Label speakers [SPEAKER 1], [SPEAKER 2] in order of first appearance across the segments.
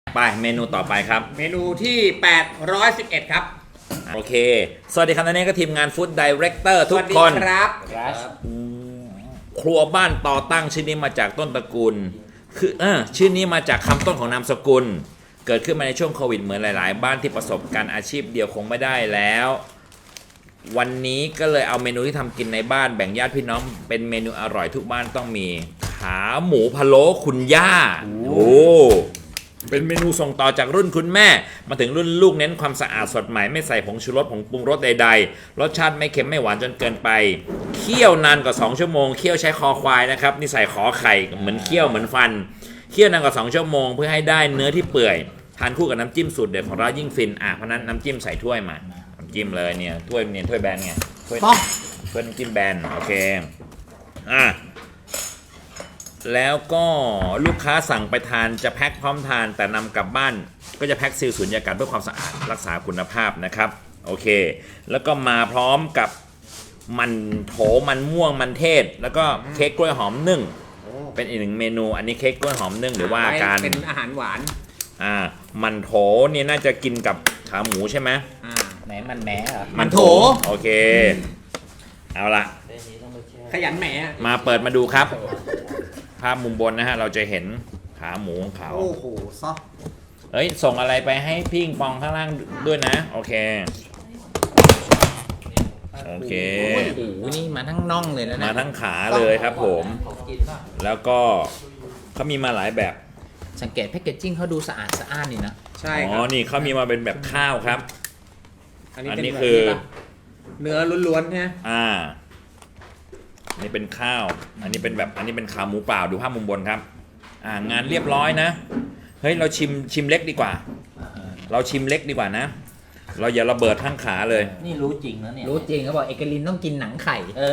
[SPEAKER 1] ไปเมนูต่อไปครับ
[SPEAKER 2] เมนูที่811ครับ
[SPEAKER 1] โอเคสวัสดีครับนี่ก็ทีมงานฟู้ดไดเรคเตอร์ทุกคน
[SPEAKER 2] สวัสดีครับ
[SPEAKER 1] ครัวบ้านต่อตั้งชื่อนี้มาจากต้นตระกูลคือชื่อนี้มาจากคำต้นของนามสกุลเกิดขึ้นมาในช่วงโควิดเหมือนหลายๆบ้านที่ประสบการณ์อาชีพเดียวคงไม่ได้แล้ววันนี้ก็เลยเอาเมนูที่ทำกินในบ้านแบ่งญาติพี่น้องเป็นเมนูอร่อยทุกบ้านต้องมีขาหมูพะโล้คุณย่าโอ้เป็นเมนูส่งต่อจากรุ่นคุณแม่มาถึงรุ่นลูกเน้นความสะอาดสดใหม่ไม่ใส่ผงชูรสผงปรุงรสใดๆรสชาติไม่เค็มไม่หวานจนเกินไปเคี่ยวนานกว่า2ชั่วโมงเคี่ยวใช้คอควายนะครับนี่ใส่ขอไข่เหมือนเคี่ยวเหมือนฟันเคี่ยวนานกว่า2ชั่วโมงเพื่อให้ได้เนื้อที่เปื่อยทานคู่กับน้ำจิ้มสูตรเด็ดของร้านยิ่งฟินเพราะนั้นน้ำจิ้มใส่ถ้วยมาน้ำจิ้มเลยเนี่ยถ้วยแบนไงถ้วยน้ำจิ้มแบนโอเคแล้วก็ลูกค้าสั่งไปทานจะแพ็คพร้อมทานแต่นำกลับบ้านก็จะแพ็คซีลสุญญากาศเพื่อความสะอาดรักษาคุณภาพนะครับโอเคแล้วก็มาพร้อมกับมันโถมันม่วงมันเทศแล้วก็เค้กกล้วยหอมนึ่งเป็นอีกหนึ่งเมนูอันนี้เค้กกล้วยหอมนึ่งหรือว่าการ
[SPEAKER 2] เป็นอาหารหวาน
[SPEAKER 1] มันโถนี่น่าจะกินกับขาหมูใช่ไหม
[SPEAKER 3] ไหนมันแหมเหรอ
[SPEAKER 2] มันโถ
[SPEAKER 1] โอเคเอาละ
[SPEAKER 2] ขยันแหม
[SPEAKER 1] มาเปิดมาดูครับภาพมุมบนนะฮะเราจะเห็นขาหมูของเขา
[SPEAKER 2] โอ้โหซอ
[SPEAKER 1] เฮ้ยส่งอะไรไปให้พี่ปองข้างล่างด้วยนะโอเคโอเค
[SPEAKER 3] โอ้โหนี่มาทั้งน่องเลยนะ
[SPEAKER 1] มาทั้งขาเลยครับผมแล้วก็เขามีมาหลายแบบ
[SPEAKER 3] สังเกตแพคเกจจิ้งเขาดูสะอาดสะอ้านนี่นะ
[SPEAKER 2] ใช่
[SPEAKER 1] อ๋อนี่เขามีมาเป็นแบบข้าวครับอันนี้คือ
[SPEAKER 2] เนื้อล้วนๆนะ
[SPEAKER 1] นี่เป็นข้าวอันนี้เป็นแบบอันนี้เป็นขาหมูเปล่าดูภาพมุมบนครับงานเรียบร้อยนะเฮ้ยเราชิมเล็กดีกว่าเราชิมเล็กดีกว่านะเราอย่าระเบิดทั้งขาเลย
[SPEAKER 3] นี่รู้จริงนะเนี่ยรู้จริงเขาบอกเอกลินต้องกินหนังไข่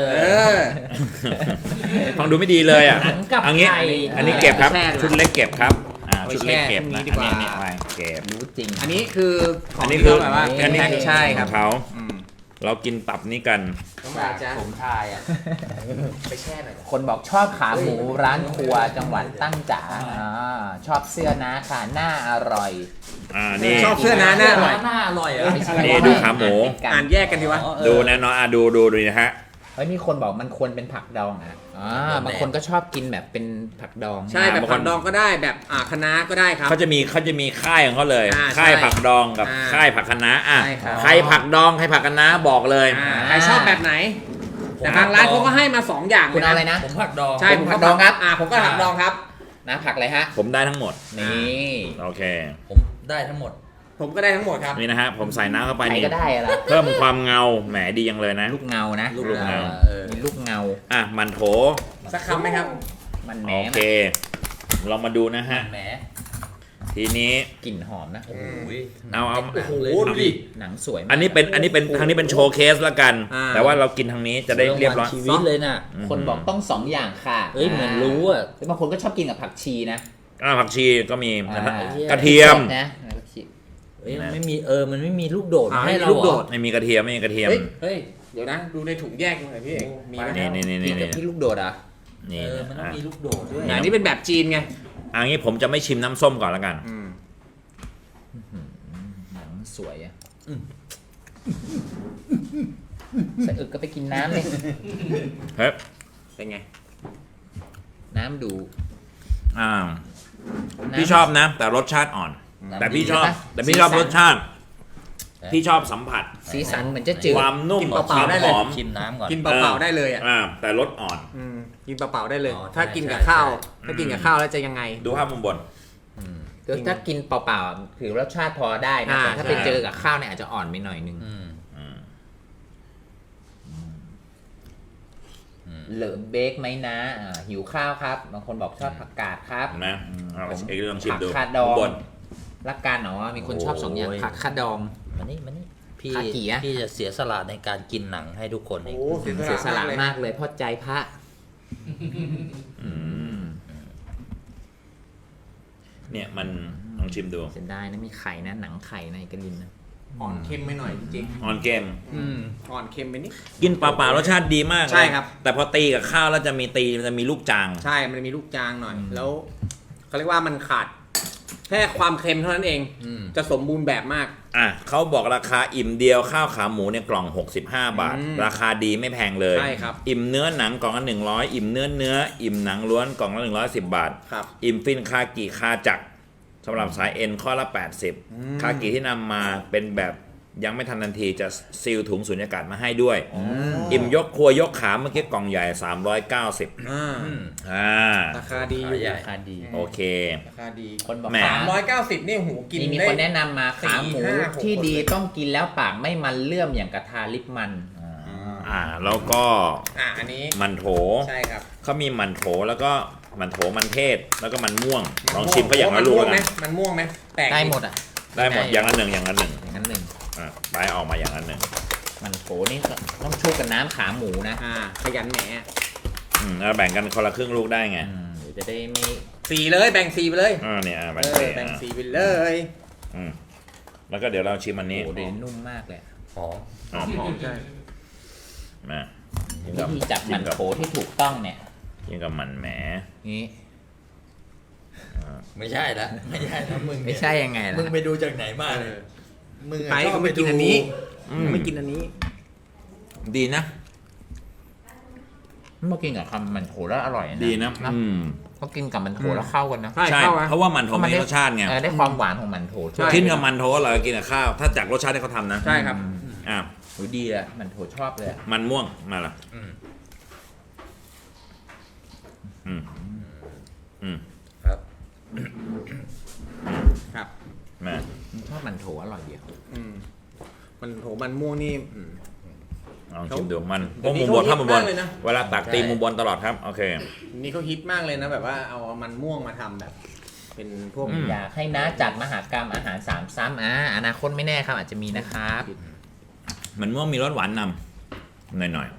[SPEAKER 1] ฟังดูไม่ดีเลย
[SPEAKER 3] หนังกับไข่
[SPEAKER 1] อันนี้เก็บครับชุดเล็กเก็บครับชุดเล็กเก็บนะอันนี้ไปเก็บ
[SPEAKER 3] รู้จริง
[SPEAKER 2] อันนี้คือ
[SPEAKER 1] อันนี้คือ
[SPEAKER 2] แบบว่า
[SPEAKER 1] อันนี้
[SPEAKER 2] ใช่ครับ
[SPEAKER 1] เขาเรากินตับนี้กัน
[SPEAKER 3] ผมทายไปแช่หน่อยคนบอกชอบขาหมูร้านครัวจังหวัดตั้งจ๋าชอบเสื้อนะค่ะหน้าอร่อย
[SPEAKER 1] นี่
[SPEAKER 2] ชอบเสื้อนะหน้าอร่
[SPEAKER 3] อย
[SPEAKER 1] นี่ดูขาหมู
[SPEAKER 2] อ่านแยกกันดีวะ
[SPEAKER 1] ดูนะน้องดูนะฮะ
[SPEAKER 3] เฮ้ยนี่คนบอกมันควรเป็นผักดองบางคนก็ชอบกินแบบเป็นผักดอง
[SPEAKER 2] ใช่แบบผักดองก็ได้แบบคะน้าก็ได้ครับ
[SPEAKER 1] เขาจะมีค่ายของเขาเลยค่ายผักดองกับค่ายผักคะน้าใครผักดองใครผักคะน้าบอกเลย
[SPEAKER 2] ใครชอบแบบไหนแต่ทางร้านเขาก็ให้มา2อย่าง
[SPEAKER 3] คุณเอาอะไรนะ
[SPEAKER 2] ผมผักดองใช่ผมผักดองครับผมก็ผักดองครับ
[SPEAKER 3] นะผักอะไรฮะ
[SPEAKER 1] ผมได้ทั้งหมด
[SPEAKER 3] นี่
[SPEAKER 1] โอเค
[SPEAKER 3] ผมได้ทั้งหมด
[SPEAKER 2] ผมก็ได้ทั้งหมดครับ
[SPEAKER 1] นี่นะฮะผมใส่น้ำเข้าไปนี่
[SPEAKER 3] ก็ได้อะไร
[SPEAKER 1] เพิ่มความเงาแหมดียังเลยนะ
[SPEAKER 3] ลูกเงานะ
[SPEAKER 1] ลูกเงา
[SPEAKER 3] มีลูกเงา
[SPEAKER 1] มันโถ
[SPEAKER 2] สักคำไหมครับ
[SPEAKER 3] มันแหม
[SPEAKER 1] โอเคเรามาดูนะฮะ
[SPEAKER 3] แหม
[SPEAKER 1] ทีนี้
[SPEAKER 3] กลิ่นหอมนะ
[SPEAKER 1] เอา
[SPEAKER 2] โอ้โหดูดิ
[SPEAKER 3] หนังสวย
[SPEAKER 1] อันนี้เป็นทางนี้เป็นโชว์เคสละกันแต่ว่าเรากินทางนี้จะได้เรียบร้อย
[SPEAKER 3] ชีวิตเลยนะคนบอกต้อง2อย่างค่ะเหมือนรู้บางคนก็ชอบกินกับผักชีนะ
[SPEAKER 1] ผักชีก็มีกระเทียม
[SPEAKER 3] นะ
[SPEAKER 2] ไม่มีมันไม่มีลูกโดด
[SPEAKER 1] ให้เราลูกโดดไม่มีกระเทียม
[SPEAKER 2] เฮ้ยเดี๋ยวนะดูในถุงแยกหน่อยพี่เอกมีไหม
[SPEAKER 3] นี่ลูกโดด
[SPEAKER 1] นี่
[SPEAKER 3] มันต้องมีลูกโดดด้วย
[SPEAKER 2] อันนี้เป็นแบบจีนไง
[SPEAKER 1] อันนี้ผมจะไม่ชิมน้ำส้มก่อนละกัน
[SPEAKER 3] หนังสวยใส่อึกก็ไปกินน้ำเลย
[SPEAKER 1] เฮ้ย
[SPEAKER 2] เป็นไง
[SPEAKER 3] น้ำดู
[SPEAKER 1] พี่ชอบนะแต่รสชาติอ่อนแต่พี่ชอบรสชาติพี่ชอบสัมผัส
[SPEAKER 3] สีสันเหมือนจะจืด
[SPEAKER 1] ความนุ่ม
[SPEAKER 2] ความหอม
[SPEAKER 3] ชิมน้ำก่อน
[SPEAKER 2] กินเปล่าๆได้เลย
[SPEAKER 1] แต่รสอ่อน
[SPEAKER 2] กินเปล่าๆได้เลยถ้ากินกับข้าวแล้วจะยังไง
[SPEAKER 1] ดูภาพมุมบน
[SPEAKER 3] ถ้ากินเปล่าๆถือรสชาติพอได้นะถ้าไปเจอกับข้าวเนี่ยอาจจะอ่อนไปหน่อยนึงเหลือเบคไหมนะหิวข้าวครับบางคนบอกชอบผักกาดครับ
[SPEAKER 1] นะเอกเรื่องชิมดู
[SPEAKER 3] ผักคาดองรักการเนาะมีคนชอบ2อย่างผักคาดอง
[SPEAKER 4] มานี่พี่จะเสียสละในการกินหนังให้ทุกคนเอง
[SPEAKER 3] เสียสละมากเลยเพราะใจพระ
[SPEAKER 1] เนี่ยมันลองชิมดู
[SPEAKER 3] เสียดายนะมีไข่นะหนังไข่ในกระดินนะ
[SPEAKER 2] อ่อนเค็มไปหน่อยจริง
[SPEAKER 1] อ่อนเค็ม
[SPEAKER 2] อ่อนเค็มไปนิด
[SPEAKER 1] กินเปล่าๆรสชาติดีมาก
[SPEAKER 2] ใช่ครับ
[SPEAKER 1] แต่พอตีกับข้าวแล้วจะมีลูกจาง
[SPEAKER 2] ใช่มันมีลูกจางหน่อยแล้วเขาเรียกว่ามันขาดแค่ความเค็มเท่านั้นเอง
[SPEAKER 4] อืม
[SPEAKER 2] จะสมบูรณ์แบบมาก
[SPEAKER 1] เขาบอกราคาอิ่มเดียวข้าวขาหมูเนี่ยกล่อง 65 บาท ราคาดีไม่แพงเลย
[SPEAKER 2] ใช่ครับ
[SPEAKER 1] อิ่มเนื้อหนังกล่องละ100อิ่มเนื้ออิ่มหนังล้วนกล่องละ110 บาท
[SPEAKER 2] ครับ
[SPEAKER 1] อิ่มฟินคากิคาจักรสำหรับสายเอ็นข้อละ 80 คากิที่นำมาเป็นแบบยังไม่ทันทันทีจะซีลถุงสุญญากาศมาให้ด้วย อิ่มยกครัวยกขาเมื่อกี้กล่องใหญ่ 390
[SPEAKER 2] ราคาดีอยู่
[SPEAKER 4] ขาใหญ่
[SPEAKER 3] ราคาดี
[SPEAKER 1] โอเค
[SPEAKER 2] ราคาดี
[SPEAKER 3] คนบอก
[SPEAKER 1] แหม
[SPEAKER 3] ขา
[SPEAKER 2] 390นี่หูกิน
[SPEAKER 3] มี
[SPEAKER 2] ได้
[SPEAKER 3] คนแนะนำมาขาหมู
[SPEAKER 2] 4 5 6
[SPEAKER 3] ที่ดี
[SPEAKER 2] คนเลย
[SPEAKER 3] ต้องกินแล้วปากไม่มันเลื่อมอย่างกระทาลิปมัน
[SPEAKER 1] แล้วก็
[SPEAKER 2] อันนี้
[SPEAKER 1] มันโถ
[SPEAKER 2] ใช่ครับ
[SPEAKER 1] เขามีมันโถแล้วก็มันโถมันเทศแล้วก็มันม่วงลองชิมเขาอย่างละลูก
[SPEAKER 2] มันม่วงไหม
[SPEAKER 1] นะ
[SPEAKER 2] มันม่วงไหมแตก
[SPEAKER 3] ได้หมดอ่ะ
[SPEAKER 1] ได้หมดอย่างละหนึ่งอย่างละหนึ่ง
[SPEAKER 3] อย่างนั้นหนึ่ง
[SPEAKER 1] ไปออกมาอย่างละหนึ่ง
[SPEAKER 3] มันโถนี่ต้องชุบกับน้ำขาหมูนะ
[SPEAKER 2] ขยันแหม
[SPEAKER 1] แล้วแบ่งกันคนละครึ่งลูกได้ไง
[SPEAKER 3] เดี๋ยวจะได้ไม่
[SPEAKER 2] สีเลยแบ่งสีไปเลย
[SPEAKER 1] เนี่ยแบ่ง
[SPEAKER 2] แบ่งสีไปเลย
[SPEAKER 1] แล้วก็เดี๋ยวเราชิมอันนี้
[SPEAKER 3] โอ้โหเดี๋ยวนุ่มมากเลย
[SPEAKER 4] หอม
[SPEAKER 1] หอม
[SPEAKER 2] หอมใช่
[SPEAKER 1] มากิน
[SPEAKER 3] วิ
[SPEAKER 1] กับ
[SPEAKER 3] ธีจับมันโถที่ถูกต้องเนี่ย
[SPEAKER 1] กินกับมันแหม
[SPEAKER 3] นี่
[SPEAKER 4] ไม่ใช่ละไม่ใช่ละมึงเนี่ย
[SPEAKER 3] ไม่ใช่ยังไงล่ะ
[SPEAKER 4] มึงไปดูจากไหนมาเนี่ยมึงอะ
[SPEAKER 2] ไป
[SPEAKER 4] ชอบ
[SPEAKER 2] ก็ไม่กินอันนี้
[SPEAKER 1] อืม
[SPEAKER 2] ไม่กินอันนี้
[SPEAKER 1] ดีนะ
[SPEAKER 3] มากินกับคำมันโถแล้วอร่อยนะ
[SPEAKER 1] ดีนะ
[SPEAKER 3] เขากินกับมันโถแล้วเข้ากันนะ
[SPEAKER 2] ใช่
[SPEAKER 1] ใช่
[SPEAKER 2] เข้าอะ
[SPEAKER 1] เพราะว่ามันโถมีรสชาติไง
[SPEAKER 3] ได้ความหวานของมันโถ
[SPEAKER 2] ใช่
[SPEAKER 1] กินกับมันโถอร่อยกว่ากินกับข้าว ถ้าจากรสชาติที่เขาทำนะ
[SPEAKER 2] ใช่ครับ
[SPEAKER 1] อ่ะ
[SPEAKER 3] โหดีอะมันโถชอบเลยอะ
[SPEAKER 1] มันม่วงมาละ
[SPEAKER 4] อืม
[SPEAKER 1] อืมอืม
[SPEAKER 4] ครับ
[SPEAKER 2] ครับ
[SPEAKER 1] มา
[SPEAKER 3] ชอบมันโถอร่อยเดียว
[SPEAKER 2] มันโถมันม่วงนี่
[SPEAKER 1] ลองชิมดูมัน
[SPEAKER 2] เดี๋ยวนี้
[SPEAKER 1] มุมบน
[SPEAKER 2] เขา
[SPEAKER 1] ถ้ามุมบน
[SPEAKER 2] ฮิตมากเลยนะ
[SPEAKER 1] เวลาตักตีมุมบนตลอดครับ โอเค
[SPEAKER 2] นี่เขาฮิตมากเลยนะแบบว่าเอามันม่วงมาทำแบบ เป็นพวก
[SPEAKER 3] อยากให้น้าจัดมหากรรมอาหาร3 ซ้ำอนาคตไม่แน่ครับอาจจะมีนะครับ
[SPEAKER 1] มันม่วงมีรสหวานนำหน่อย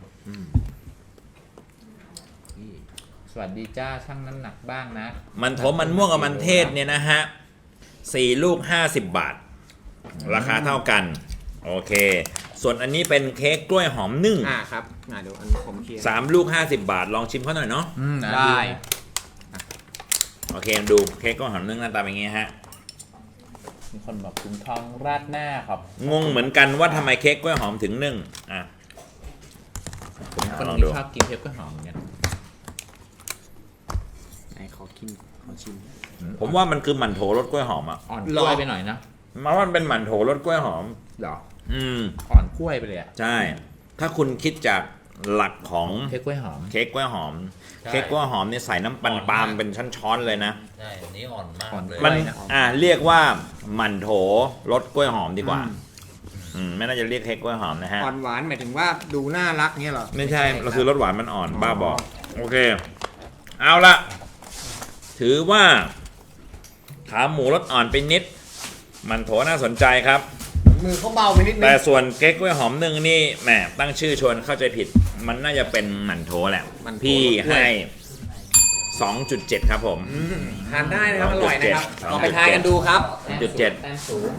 [SPEAKER 3] สวัสดีจ้าช่างน้ำหนักบ้างนะ
[SPEAKER 1] ๆ มันโถมันม่วงกับมันเทศเนี่ยนะฮะ4 ลูก 50 บาท ราคาเท่ากัน โอเค ส่วนอันนี้เป็นเค้กกล้วยหอมนึ่ง
[SPEAKER 2] ครับเดี๋ยวอันผมเคลียร์
[SPEAKER 1] 3 ลูก 50 บาท ลองชิมเขาหน่อยเนาะ
[SPEAKER 2] ได้
[SPEAKER 1] โอเคดูเค้กกล้วยหอมนึ่งหน้าตาเป็นอย่างงี้ฮะ
[SPEAKER 3] มีคนบอกถุงทองราดหน้าครับ
[SPEAKER 1] งงเหมือนกันว่าทำไมเค้กกล้วยหอมถึงนึ่ง
[SPEAKER 3] ผมคน
[SPEAKER 1] ลอง
[SPEAKER 3] ที่
[SPEAKER 1] ดู
[SPEAKER 3] ชอบกินเค้กกล้วยหอมเหมือนกัน
[SPEAKER 2] ไหนขอชิม
[SPEAKER 1] ผมว่ามันคือหมั่นโถรสกล้วยหอมอ่ะ
[SPEAKER 3] อ่อนกล้วยไปหน่อยนะ
[SPEAKER 1] มาว่ามันเป็นหมั่นโถรสกล้วยหอม
[SPEAKER 3] หรอ
[SPEAKER 1] อืม
[SPEAKER 3] อ่อนกล้วยไปเลยอะ
[SPEAKER 1] ใช่ ถ้าคุณคิดจากหลักของ
[SPEAKER 3] เค้กกล้วยหอม
[SPEAKER 1] เค้กกล้วยหอม
[SPEAKER 4] ใช่
[SPEAKER 1] เค้กกล้วยหอมเนี่ยใส่น้ำปันปาล์มเป็นช้อนๆเลยนะ
[SPEAKER 4] ใช่อันนี้อ่อนมาก
[SPEAKER 3] อ่อน
[SPEAKER 4] เลย
[SPEAKER 1] มัน
[SPEAKER 3] นะ
[SPEAKER 1] เรียกว่าหมั่นโถรสกล้วยหอมดีกว่า ไม่น่าจะเรียกเค้กกล้วยหอมนะฮะ
[SPEAKER 2] อ่อนหวานหมายถึงว่าดูน่ารักเนี่ยเหรอ
[SPEAKER 1] ไม่ใช่เราคือรสหวานมันอ่อน
[SPEAKER 2] อ๋อ
[SPEAKER 1] บ้าบอก โอเค เอาละถือว่า ขาหมูรสอ่อนไปนิด มันโถน่าสนใจครับ
[SPEAKER 2] มือเขาเบาไปนิดนึ
[SPEAKER 1] แต่
[SPEAKER 2] ง
[SPEAKER 1] ส่วนเค้กกล้วยหอมนึ่งนี่แหมตั้งชื่อชวนเข้าใจผิด มันน่าจะเป็นหมั่นโถแหละ
[SPEAKER 2] หมั่นโถ
[SPEAKER 1] พี่
[SPEAKER 2] รสกล้วย
[SPEAKER 1] ให้ 2.7 ครับผม
[SPEAKER 2] ทานได้นะครับ อร่อยนะครับ
[SPEAKER 1] 2.7
[SPEAKER 2] ลองไปทานกันดูครับ
[SPEAKER 1] 2.7
[SPEAKER 3] แต้มสูง